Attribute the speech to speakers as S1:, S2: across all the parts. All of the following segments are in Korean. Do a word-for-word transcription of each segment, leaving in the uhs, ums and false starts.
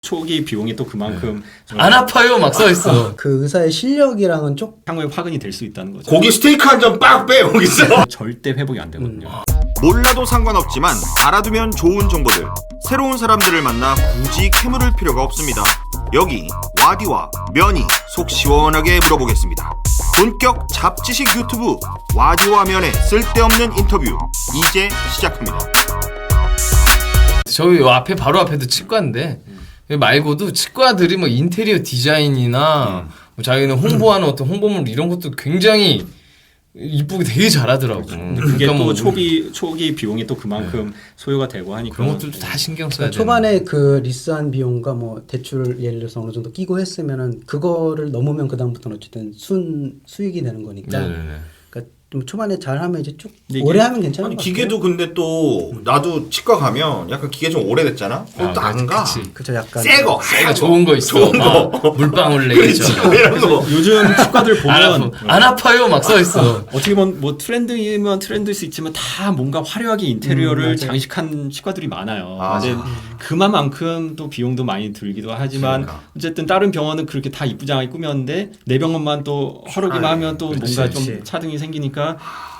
S1: 초기 비용이 또 그만큼
S2: 네. 안 아파요 막 써있어.
S3: 그 의사의 실력이랑은 좀
S1: 향후에 화근이 될 수 있다는 거죠.
S4: 고기 스테이크 한 점 빡 빼 여기서.
S1: 절대 회복이 안 되거든요.
S3: 음.
S4: 몰라도 상관없지만 알아두면 좋은 정보들. 새로운 사람들을 만나 굳이 캐물을 필요가 없습니다. 여기 와디와 면이 속 시원하게 물어보겠습니다. 본격 잡지식 유튜브 와디와 면의 쓸데없는 인터뷰 이제 시작합니다.
S2: 저희 앞에 바로 앞에도 치과인데 말고도 치과들이 뭐 인테리어 디자인이나
S4: 음.
S2: 뭐 자기는 홍보하는 어떤 홍보물 이런 것도 굉장히 이쁘게 되게 잘하더라고.
S1: 근데 그게
S2: 그러니까
S1: 또
S2: 뭐
S1: 초기 초기 비용이 또 그만큼 소요가 되고 하니까
S2: 그런 것들도 다 신경 써야 돼.
S3: 초반에 그 리스한 비용과 뭐 대출 예를 들어서 어느 정도 끼고 했으면은 그거를 넘으면 그 다음부터는 어쨌든 순 수익이 되는 거니까.
S2: 네네네.
S3: 그러니까 좀 초반에 잘하면 이제 쭉
S1: 이게-
S3: 오래 하면 괜찮은
S4: 아니
S3: 것
S4: 기계도 근데 또 나도 치과 가면 약간 기계 좀 오래됐잖아. 그것도
S2: 아,
S4: 안 가.
S2: 그치.
S3: 그죠 약간
S4: 새거.
S2: 새거 좋은 거 있어.
S4: 좋은 거.
S2: 아, 물방울 내겠죠.
S4: 이런 거.
S1: 요즘 치과들
S2: 안,
S1: 보면
S2: 아파, 안 아파요 막 써있어.
S1: 어떻게 보면 뭐 트렌드이면 트렌드일 수 있지만 다 뭔가 화려하게 인테리어를
S3: 음, 맞아요.
S1: 장식한 치과들이 많아요.
S4: 아.
S1: 근데 그만큼 또 비용도 많이 들기도 하지만
S4: 그러니까.
S1: 어쨌든 다른 병원은 그렇게 다 이쁘장하게 꾸몄는데 내 병원만 또 화려기만
S4: 아,
S1: 하면 또
S3: 그렇지,
S1: 뭔가 좀
S3: 그렇지.
S1: 차등이 생기니까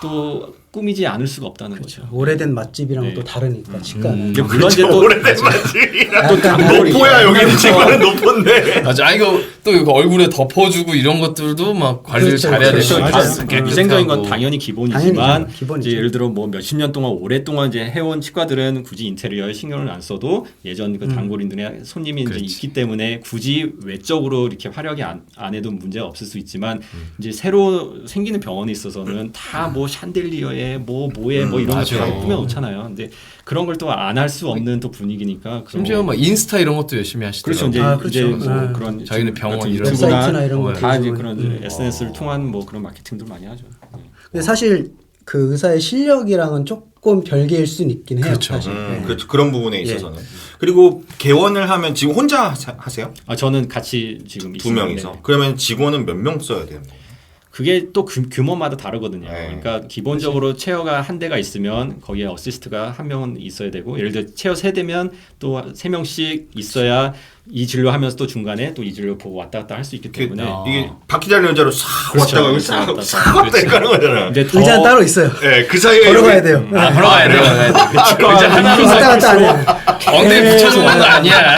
S1: 또 꾸미지 않을 수가 없다는 거죠.
S3: 오래된 맛집이랑
S1: 네.
S3: 또 다르니까 치과는.
S1: 음, 근데 물론 이제 또
S4: 오래된 맛집이라.
S1: 또
S3: 약간
S1: 단골이
S4: 높아야 여기는
S1: 그렇죠.
S4: 치과는 높은데.
S2: 맞아. 아, 이거 또 이거 얼굴에 덮어주고 이런 것들도 막 관리를
S3: 그렇죠,
S2: 잘해야
S3: 그렇죠.
S2: 되고.
S3: 맞아요.
S2: 다 깨끗하고.
S1: 위생적인 건 당연히 기본이지만
S3: 당연히 기본이죠.
S1: 이제 예를 들어 뭐 몇십 년 동안 오랫동안 이제 해온 치과들은 굳이 인테리어에 신경을 안 써도 예전 그 단골인들의 손님이 이제
S2: 그렇지.
S1: 있기 때문에 굳이 외적으로 이렇게 화려하게 안, 안 해도 문제가 없을 수 있지만
S2: 음.
S1: 이제 새로 생기는 병원에 있어서는 다 뭐 샹들리어에 뭐 뭐에 뭐 이런 거 다
S2: 맞아요.
S1: 꾸며 놓잖아요. 근데 그런 걸 또 안 할 수 없는 또 분위기니까 그런
S2: 심지어
S1: 거-
S2: 막 인스타 이런 것도 열심히 하시더라고.
S1: 그렇죠. 이제
S3: 아, 그렇죠.
S1: 이제 뭐
S3: 네.
S1: 그런
S2: 자기네
S1: 지금
S2: 병원
S1: 같은
S2: 이런
S1: 유튜브나
S3: 웹사이트나 이런 거
S1: 다 이제
S3: 가지고
S1: 그런
S3: 음.
S1: 에스엔에스를 통한 뭐 그런 마케팅들 많이 하죠. 네.
S3: 근데 사실 그 의사의 실력이랑은 조금 별개일 수는 있긴 해요.
S2: 그렇죠.
S3: 사실.
S4: 음,
S3: 네.
S4: 그렇죠. 그런 부분에 있어서는. 그리고 개원을 하면 지금 혼자 하- 하세요?
S1: 아 저는 같이 지금
S4: 두
S1: 있습니다.
S4: 명이서.
S1: 네.
S4: 그러면 직원은 몇 명 써야 되는 거예요?
S1: 그게 또 규, 규모마다 다르거든요.
S4: 네.
S1: 그러니까 기본적으로 체어가 한 대가 있으면 거기에 어시스트가 한 명은 있어야 되고 예를 들어 체어 세 대면 또 세 명씩 있어야 이 진료하면서 또 중간에 또 이 진료 보고 왔다 갔다 할 수 있기
S4: 이게,
S1: 때문에
S4: 이게 바퀴 달린 의자로 싹
S1: 그렇죠.
S4: 왔다가
S1: 그렇죠.
S4: 싹
S1: 왔다
S4: 싹
S1: 갔다.
S4: 왔다 가는 거잖아.
S1: 이제 더
S3: 의자는 따로 있어요.
S4: 네, 그 사이에
S3: 걸어가야
S4: 여기-
S3: 돼요.
S2: 아, 걸어가야 돼. 걸어가야 돼.
S1: 치과
S2: 의자 하나로
S3: 왔다 갔다 안 해요.
S2: 엉덩이 붙여놓는 거 아니야.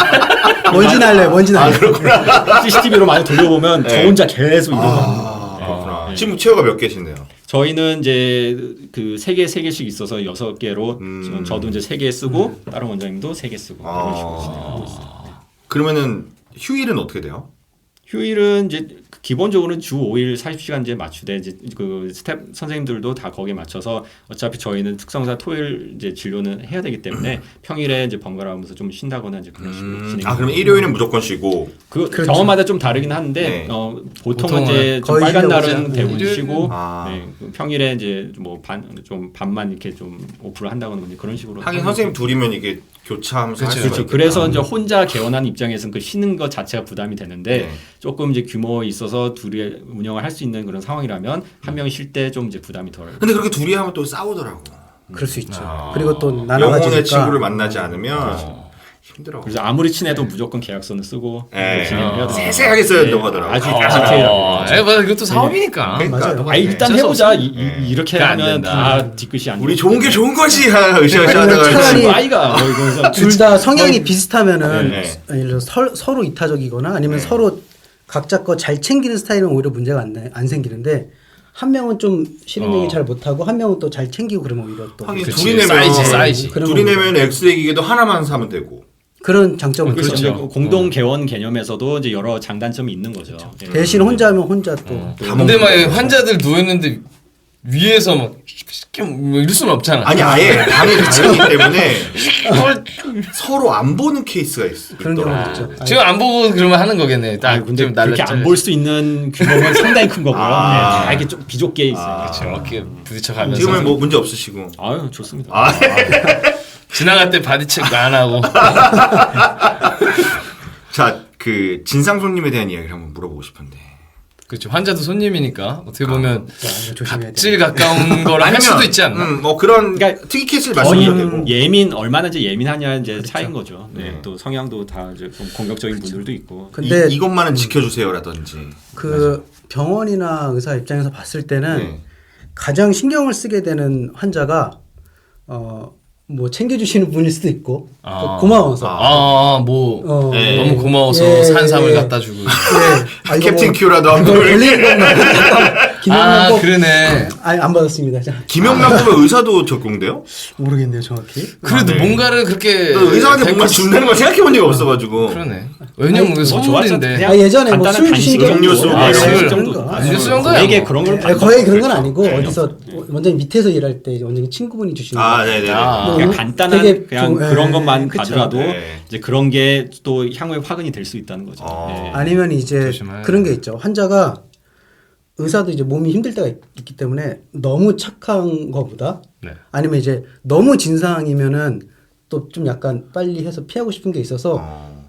S3: 뭔지 날래, 뭔지 날래.
S1: 씨씨티비로 많이 돌려보면 저
S4: 네.
S1: 혼자 계속 이러고
S4: 아, 그렇구나.
S1: 네.
S4: 지금 체어가 몇 개신데요?
S1: 저희는 이제 그 세 개 세 개씩 있어서 여섯 개로
S4: 음.
S1: 지금 저도 이제 세 개 쓰고 다른 원장님도 세 개 쓰고 이런 식으로 진행하고 있어요.
S4: 그러면은 휴일은 어떻게 돼요?
S1: 휴일은 이제 기본적으로는 주 오 일 사십 시간 이제 맞추되 이제 그 스텝 선생님들도 다 거기에 맞춰서 어차피 저희는 특성상 토요일 이제 진료는 해야 되기 때문에 평일에 이제 번갈아 가면서 좀 쉰다거나 이제 그런 식으로
S4: 음,
S1: 진행.
S4: 아 그러면 일요일은 무조건 쉬고.
S1: 그
S3: 그렇죠.
S1: 병원마다 좀 다르긴 한데
S4: 네.
S1: 어, 보통은
S2: 보통은
S1: 이제 좀
S3: 거의
S1: 빨간
S3: 쉬려고
S1: 날은
S3: 하죠.
S1: 대부분
S2: 일요일은-
S1: 쉬고
S4: 아.
S1: 네, 그 평일에 이제 뭐 반 좀 반만 이렇게 좀 오프를 한다거나 뭐 그런 식으로.
S4: 하긴
S1: 하는
S4: 선생님 둘이면 이게 교차하면서 할
S2: 그렇죠.
S4: 수가
S1: 그렇죠.
S4: 있겠다.
S1: 그래서 이제 혼자 개원하는 입장에서는 그 쉬는 것 자체가 부담이 되는데
S4: 네.
S1: 조금 이제 규모에 있어서 둘이 운영을 할 수 있는 그런 상황이라면 한 명이 쉴 때 좀 이제 부담이 덜.
S4: 근데 그렇게 둘이 하면 또 싸우더라고.
S3: 그럴 수 있죠.
S2: 아.
S3: 그리고 또
S4: 영혼의
S3: 나눠가지니까.
S4: 친구를 만나지 않으면
S2: 어.
S4: 힘들어.
S1: 그래서 아무리 친해도 무조건 계약서는 쓰고
S4: 네.
S1: 진행을 해야 돼요.
S4: 세세하게 써야 된다고 하더라고.
S1: 아주
S2: 아,
S1: 디테일하게.
S2: 에, 맞아. 이것도 사업이니까.
S4: 그러니까.
S3: 맞아요.
S1: 아 일단
S2: 어쩔 수
S1: 해보자.
S2: 없어.
S1: 이, 이, 이렇게
S2: 그게 안
S1: 하면
S2: 된다.
S1: 다 뒤끝이 안.
S4: 우리
S1: 되기
S4: 좋은 게
S1: 때문에.
S4: 좋은 거지 하- 으쌰으쌰
S3: 아니면
S4: 하다가
S3: 차라리-
S1: 친구 아이가 뭐 이러면서
S3: 둘 다 성향이 비슷하면은
S4: 네.
S3: 예를 들어 서, 서로 이타적이거나 아니면
S4: 네.
S3: 서로 각자 거 잘 챙기는 스타일은 오히려 문제가 안, 나- 안 생기는데 한 명은 좀 실행력이
S2: 어.
S3: 잘 못하고 한 명은 또 잘 챙기고 그러면 오히려 또
S4: 하긴
S2: 그치.
S4: 둘이 내면
S2: 사이즈, 사이즈.
S3: 그런
S4: 둘이
S3: 겁니다.
S4: 내면 엑스레이 기계도 하나만 사면 되고.
S3: 그런 장점은
S1: 그렇죠.
S3: 있죠.
S1: 이제 공동 개원 개념에서도 이제 여러 장단점이 있는 거죠. 예.
S3: 대신 혼자 하면 혼자 또
S4: 다
S2: 근데
S4: 먹는
S2: 막
S4: 거죠.
S2: 환자들 누워있는데 위에서 막 뭐 이럴 수는 없잖아.
S4: 아니 아예 방이 다르기 때문에 서로 안 보는 케이스가 있어.
S3: 그런
S4: 있더라고.
S3: 경우도 있죠.
S2: 지금 안 보고 그러면 하는 거겠네. 딱
S1: 아, 근데
S2: 좀
S1: 그렇게
S2: 날렸잖아요.
S1: 안 볼 수 있는 규모는 상당히 큰 거고요.
S4: 아.
S1: 네, 다 이렇게 좀 비좁게 있어요.
S4: 아.
S2: 그렇죠. 이렇게 부딪혀가면서
S4: 지금은 뭐 문제 없으시고.
S1: 아유 좋습니다.
S4: 아,
S2: 지나갈 때 바디 체크 안 하고.
S4: 자, 그 진상 손님에 대한 이야기를 한번 물어보고 싶은데.
S2: 그렇죠. 환자도 손님이니까 어떻게 보면
S3: 야, 이거 조심해야 돼.
S2: 각질 가까운 걸 할 수도 있지 않나?
S4: 음, 뭐 그런
S1: 그러니까
S4: 특이 케이스를
S1: 거의
S4: 말씀드려야 되고.
S1: 예민 얼마나 이제 예민하냐 이제
S3: 그렇죠.
S1: 차이인 거죠. 네.
S4: 네.
S1: 또 성향도 다 이제 좀 공격적인 분들도 있고.
S3: 근데
S4: 이, 이것만은 지켜주세요라든지.
S3: 그 병원이나 의사 입장에서 봤을 때는
S4: 네.
S3: 가장 신경을 쓰게 되는 환자가 어 뭐 챙겨주시는 분일 수도 있고
S2: 아.
S3: 고마워서
S2: 아, 뭐
S3: 어,
S4: 네.
S2: 너무 고마워서
S3: 예,
S2: 산삼을
S3: 예.
S2: 갖다 주고.
S3: 네. 아, 이거
S4: 캡틴
S3: 뭐
S4: 큐라도 한
S3: 그걸
S4: 번.
S3: 걸리는 건가요? 김영란
S2: 아,
S3: 꼭
S2: 그러네.
S3: 아니 안 받았습니다. 자,
S4: 김영란 보면 의사도 적용돼요?
S3: 모르겠네요 정확히.
S2: 그래도
S4: 네.
S2: 뭔가를 그렇게
S4: 또 의사한테
S2: 될
S4: 뭔가
S2: 것-
S4: 준다는 걸 생각해 본 적이 없어가지고.
S2: 그러네. 왜냐면
S3: 아니,
S2: 그게
S1: 뭐
S2: 선물인데.
S1: 그냥
S3: 아, 예전에 뭐
S1: 간단한
S3: 술 주신 게
S1: 간식
S4: 음료수,
S1: 정도.
S4: 아,
S1: 네,
S2: 술
S1: 술
S3: 정도.
S1: 정도.
S3: 아,
S2: 음료수 정도야,
S1: 되게
S2: 뭐.
S1: 그런 걸
S3: 아니, 거의 그런 건
S1: 그렇죠.
S3: 아니고
S1: 네.
S3: 어디서 원장님 밑에서 일할 때 원장님 친구분이 주시는
S4: 아,
S3: 거.
S4: 네네.
S2: 아.
S1: 그냥
S3: 너무
S1: 간단한
S3: 되게
S1: 그냥
S3: 좀,
S1: 그런
S3: 예,
S1: 것만
S3: 그쵸.
S1: 가더라도
S4: 네.
S1: 이제 그런 게 또 향후에 화근이 될 수 있다는 거죠.
S4: 어.
S1: 예.
S3: 아니면 이제
S2: 조심해야
S3: 그런 게 있죠. 환자가 의사도 이제 몸이 힘들 때가 있, 있기 때문에 너무 착한 거보다
S2: 네.
S3: 아니면 이제 너무 진상이면은 또 좀 약간 빨리 해서 피하고 싶은 게 있어서
S4: 어.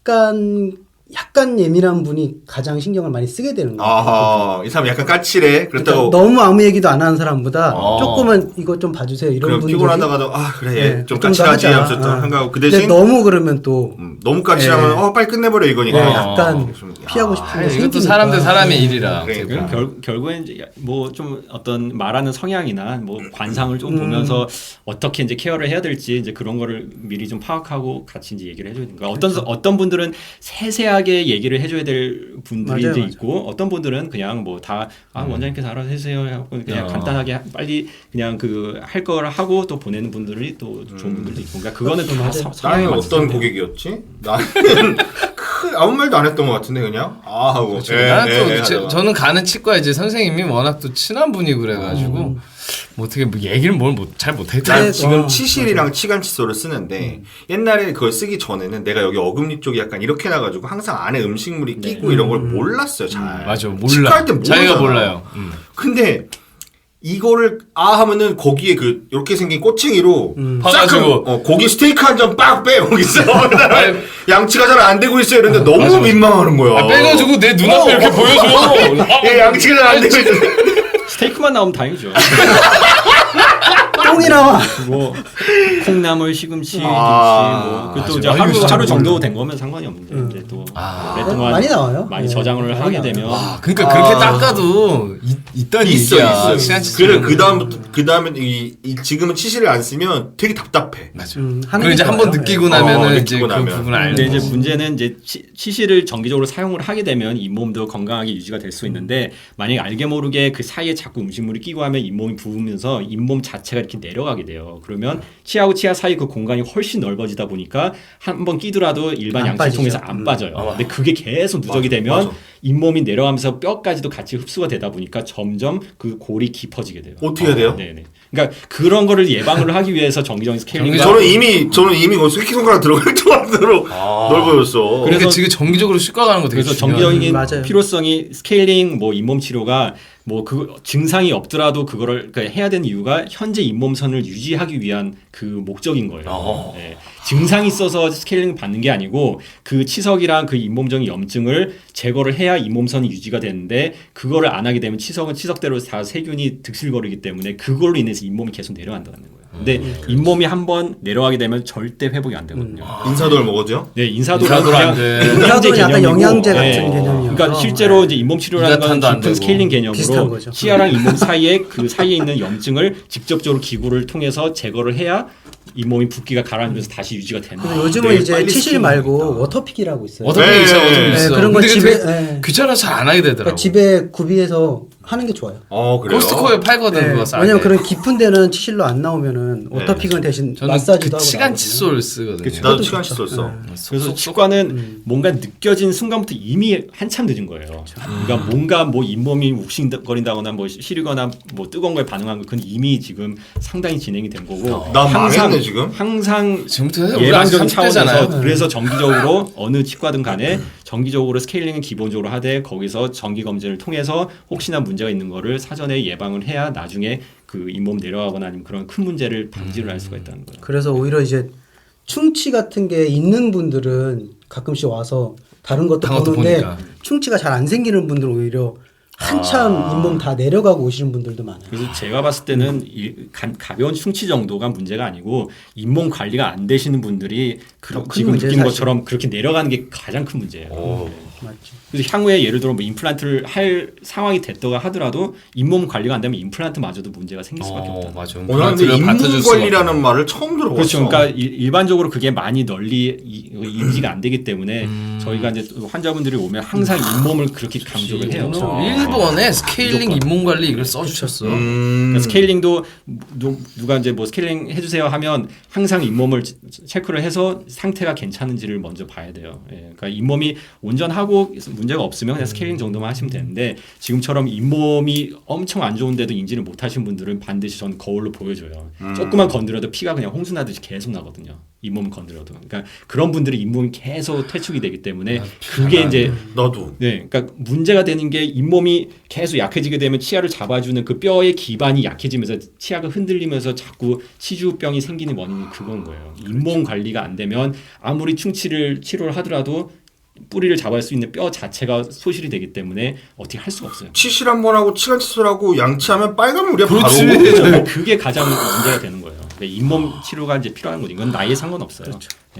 S3: 약간 약간 예민한 분이 가장 신경을 많이 쓰게 되는 거예요.
S4: 아하, 이 사람 약간 까칠해. 그렇다고
S3: 그러니까 너무 아무 얘기도 안 하는 사람보다
S2: 어.
S3: 조금은 이거 좀 봐주세요 이런
S4: 그럼
S3: 분들이
S4: 피곤하다가도 아 그래 얘
S3: 네,
S4: 좀
S3: 더
S4: 까칠하지
S3: 하자.
S4: 하면서 또
S3: 어.
S4: 한가하고 그
S3: 근데
S4: 대신
S3: 너무 그러면 또
S4: 음, 너무 까칠하면
S3: 네.
S4: 어 빨리 끝내버려
S3: 네,
S4: 이거니까.
S2: 어.
S3: 약간
S4: 좀,
S3: 피하고
S4: 아,
S3: 싶은
S2: 아니,
S3: 게
S2: 이것도
S3: 생기니까.
S2: 사람들 사람의 일이라.
S4: 그러니까.
S2: 어떻게 보면.
S1: 결, 결국엔 이제 뭐 좀 어떤 말하는 성향이나 뭐 관상을 좀
S3: 음.
S1: 보면서 어떻게 이제 케어를 해야 될지 이제 그런 거를 미리 좀 파악하고 같이 이제 얘기를 해줘야 되는 거야. 어떤 어떤 분들은 세세하게 얘기를 해줘야 될 분들이
S3: 맞아요,
S1: 이제
S3: 맞아요.
S1: 있고 어떤 분들은 그냥 뭐 다 아, 원장님께서 알아서 해주세요 하고 그냥
S2: 어.
S1: 간단하게 빨리 그냥 그 할 걸 하고 또 보내는 분들이 또 좋은 분들도 있고 그러니까 그거는 다
S3: 맞아요.
S1: 서-
S4: 나는
S1: 성향에 맞춰서
S4: 어떤
S1: 해야 돼요.
S4: 고객이었지? 나는 크, 아무 말도 안 했던 것 같은데 그냥 아 하고.
S2: 그렇죠.
S4: 예,
S2: 나는 또
S4: 예,
S2: 제-
S4: 하다가.
S2: 저는 가는 치과 이제 선생님이 워낙 또 친한 분이고 그래가지고 뭐 어떻게 뭐 얘기를 뭘 잘 못했죠.
S4: 난
S3: 네,
S4: 지금
S3: 어,
S4: 치실이랑 치간 칫솔을 쓰는데 옛날에 그걸 쓰기 전에는 내가 여기 어금니 쪽이 약간 이렇게 나가지고 항상 안에 음식물이 끼고 이런 걸 몰랐어요 잘.
S2: 맞아
S4: 치과
S2: 몰라.
S4: 할때
S2: 자기가
S4: 모르잖아.
S2: 몰라요. 음.
S4: 근데 이거를 아 하면은 거기에 그 이렇게 생긴 꼬챙이로
S3: 음.
S4: 싹
S2: 파가지고.
S4: 하고, 어, 고기 스테이크 한 점 빡 빼 여기서
S2: 아니,
S4: 양치가 잘 안 되고 있어요. 이런데 너무
S2: 맞아, 맞아.
S4: 민망하는 거야.
S2: 아, 빼가지고 내 눈앞에 이렇게 보여줘.
S4: 예, 양치가 잘 안 되고 있는데
S1: 스테이크만 나오면 다행이죠.
S3: 똥이 나와.
S1: 뭐 콩나물, 시금치, 김치
S4: 아,
S1: 뭐 그것도
S2: 맞아.
S1: 이제
S2: 아,
S1: 하루
S2: 이거 진짜
S1: 하루 정도
S2: 몰라.
S1: 된 거면 상관이 없는데 이제 또
S2: 아.
S1: 오랫동안
S3: 많이 나와요.
S1: 많이
S3: 네.
S1: 저장을
S3: 많이
S1: 하게
S3: 나와요.
S1: 되면
S2: 아, 그러니까
S4: 아.
S2: 그렇게 닦아도 있, 있다는
S4: 있어
S2: 얘기야.
S4: 있어.
S2: 시간 칫솔.
S4: 그래 그 다음부터 그 다음에 이, 이 지금은 치실을 안 쓰면 되게 답답해.
S2: 맞아.
S3: 음, 하는
S2: 그리고
S3: 게
S2: 이제 한 번
S3: 좋아요.
S2: 느끼고
S4: 네.
S2: 나면은
S4: 어,
S2: 이제
S4: 느끼고
S2: 그
S4: 나면.
S2: 부분을 알고.
S1: 근데 이제 문제는 이제 치, 치실을 정기적으로 사용을 하게 되면 잇몸도 건강하게 유지가 될 수 있는데 만약에 알게 모르게 그 사이에 자꾸 음식물이 끼고 하면 잇몸이 부으면서 잇몸 자체가 이렇게 내려가게 돼요. 그러면 치아하고 치아 사이 그 공간이 훨씬 넓어지다 보니까 한 번 끼더라도 일반
S3: 안
S1: 양치통에서
S3: 빠지죠.
S1: 안
S3: 음.
S1: 빠져요. 근데 그게 계속 누적이
S4: 맞아,
S1: 되면
S4: 맞아.
S1: 잇몸이 내려가면서 뼈까지도 같이 흡수가 되다 보니까 점점 그 골이 깊어지게 돼요.
S4: 어떻게 해야 돼요?
S1: 네네. 그러니까 그런 거를 예방을 하기 위해서 정기적인 스케일링과
S4: 저는 이미 저는 이미 뭐 새끼손가락 들어갈 정도로 넓어졌어.
S2: 그러니까
S1: 그래서-
S2: 지금 정기적으로 치과 가는 거 되게
S1: 그래서
S2: 중요해요.
S1: 정기적인
S3: 음, 맞아요.
S1: 필요성이 스케일링 뭐 잇몸 치료가 뭐 그 증상이 없더라도 그거를 그러니까 해야 되는 이유가 현재 잇몸선을 유지하기 위한 그 목적인 거예요.
S2: 어.
S1: 예. 증상이 있어서 스케일링 받는 게 아니고 그 치석이랑 그 잇몸적인 염증을 제거를 해야 잇몸선이 유지가 되는데 그거를 안 하게 되면 치석은 치석대로 다 세균이 득실거리기 때문에 그걸로 인해서 잇몸이 계속 내려간다는 거예요. 근데
S2: 음.
S1: 잇몸이 한번 내려가게 되면 절대 회복이 안 되거든요.
S4: 인사도를 먹어줘요?
S1: 네, 인사도는
S2: 인사도는
S1: 그냥
S2: 안 돼.
S1: 영양제
S3: 인사도는 약간
S1: 개념이고,
S3: 영양제 같은
S1: 네.
S3: 개념이어서.
S1: 그러니까 실제로 이제 잇몸 치료라는 건
S2: 이라탄도 안
S1: 깊은
S2: 되고.
S1: 스케일링
S3: 비슷한
S1: 개념으로
S3: 거죠.
S1: 치아랑 잇몸 사이에 그 사이에 있는 염증을 직접적으로 기구를 통해서 제거를 해야 잇몸이 붓기가 가라앉으면서 다시 유지가 되는
S3: 그리고
S1: 거예요.
S3: 요즘은
S4: 되게
S3: 이제
S4: 빨리
S3: 치실
S4: 시키는
S3: 말고
S4: 거니까.
S3: 워터픽이라고 있어요.
S2: 어떻게
S4: 네,
S2: 있어?
S4: 네,
S2: 어떻게
S4: 네,
S2: 있어?
S3: 그런 거
S2: 근데
S3: 집에-
S2: 집에
S3: 네.
S2: 귀찮아서 잘 안 하게 되더라고.
S3: 그러니까 집에 구비해서 하는 게 좋아요.
S4: 어 그래요.
S2: 코스트코에 팔거든
S3: 네,
S2: 그거 싸게.
S3: 왜냐면 그런 깊은 데는 치실로 안 나오면은 워터픽은 대신
S2: 저는
S3: 마사지도
S2: 그
S3: 하고
S2: 치간
S3: 나오거든요.
S2: 칫솔 쓰거든요.
S1: 그쵸.
S4: 나도
S3: 그것도
S4: 치간
S3: 좋죠.
S4: 칫솔 써.
S3: 네.
S1: 그래서 치과는
S3: 음.
S1: 뭔가 느껴진 순간부터 이미 한참 늦은 거예요. 그러니까 뭔가 뭐 잇몸이 욱신거린다거나 뭐 시리거나 뭐 뜨거운 거에 반응한 그건 이미 지금 상당히 진행이 된 거고
S4: 나 망했네 지금.
S1: 항상
S2: 지금부터 해서 우리 아직
S1: 예방적인
S2: 삼십 대잖아요.
S1: 차원에서 그래서 정기적으로 어느 치과든 간에 정기적으로 스케일링은 기본적으로 하되 거기서 정기 검진을 통해서 혹시나 문제가 있는 거를 사전에 예방을 해야 나중에 그 잇몸 내려가거나 아니면 그런 큰 문제를 방지를 할 수가 있다는 거예요.
S3: 그래서 오히려 이제 충치 같은 게 있는 분들은 가끔씩 와서 다른 것도
S2: 다른 것도
S3: 보는데
S2: 보니까.
S3: 충치가 잘 안 생기는 분들은 오히려 한참
S4: 아.
S3: 잇몸 다 내려가고 오시는 분들도 많아요.
S1: 그래서 제가 봤을 때는 이 가, 가벼운 충치 정도가 문제가 아니고 잇몸 관리가 안 되시는 분들이
S3: 큰
S1: 지금
S3: 문제예요,
S1: 느끼는
S3: 사실.
S1: 것처럼 그렇게 내려가는 게 가장 큰 문제예요.
S4: 오.
S3: 맞죠.
S1: 그래서 향후에 예를 들어 뭐 임플란트를 할 상황이 됐다가 하더라도 잇몸 관리가 안 되면 임플란트마저도 문제가 생길 수밖에
S2: 어,
S1: 없다.
S2: 맞아.
S4: 오늘 근데 인문 관리라는 말을 처음 들어봤어.
S1: 그렇죠. 그러니까 일- 일반적으로 그게 많이 널리 이- 인지가 안 되기 때문에
S2: 음.
S1: 저희가 이제 환자분들이 오면 항상 잇몸을 그렇게 강조를 해요.
S2: 어, 일본에 스케일링
S1: 무조건.
S2: 잇몸 관리 이걸 써주셨어.
S4: 음.
S1: 그러니까 스케일링도 누, 누가 이제 뭐 스케일링 해주세요 하면 항상 잇몸을 치- 체크를 해서 상태가 괜찮은지를 먼저 봐야 돼요. 예, 그러니까 잇몸이 온전하고 문제가 없으면 그냥 스케일링 정도만 하시면 되는데 지금처럼 잇몸이 엄청 안 좋은데도 인지를 못 하신 분들은 반드시 전 거울로 보여줘요.
S4: 음.
S1: 조금만 건드려도 피가 그냥 홍수 나듯이 계속 나거든요. 잇몸 건드려도. 그러니까 그런 분들이 잇몸이 계속 퇴축이 되기 때문에 그게 이제
S4: 나도.
S1: 네, 그러니까 문제가 되는 게 잇몸이 계속 약해지게 되면 치아를 잡아주는 그 뼈의 기반이 약해지면서 치아가 흔들리면서 자꾸 치주병이 생기는 원인이 그건 거예요. 잇몸 관리가 안 되면 아무리 충치를 치료를 하더라도 뿌리를 잡을 수 있는 뼈 자체가 소실이 되기 때문에 어떻게 할 수가 없어요.
S4: 치실 한 번 하고 치간 치술하고 양치하면 빨간 물이야
S2: 그렇지.
S4: 바로.
S1: 그래서 그게 가장 문제가 되는 거예요. 잇몸 치료가 이제 필요한 거죠. 이건 나이에 상관없어요.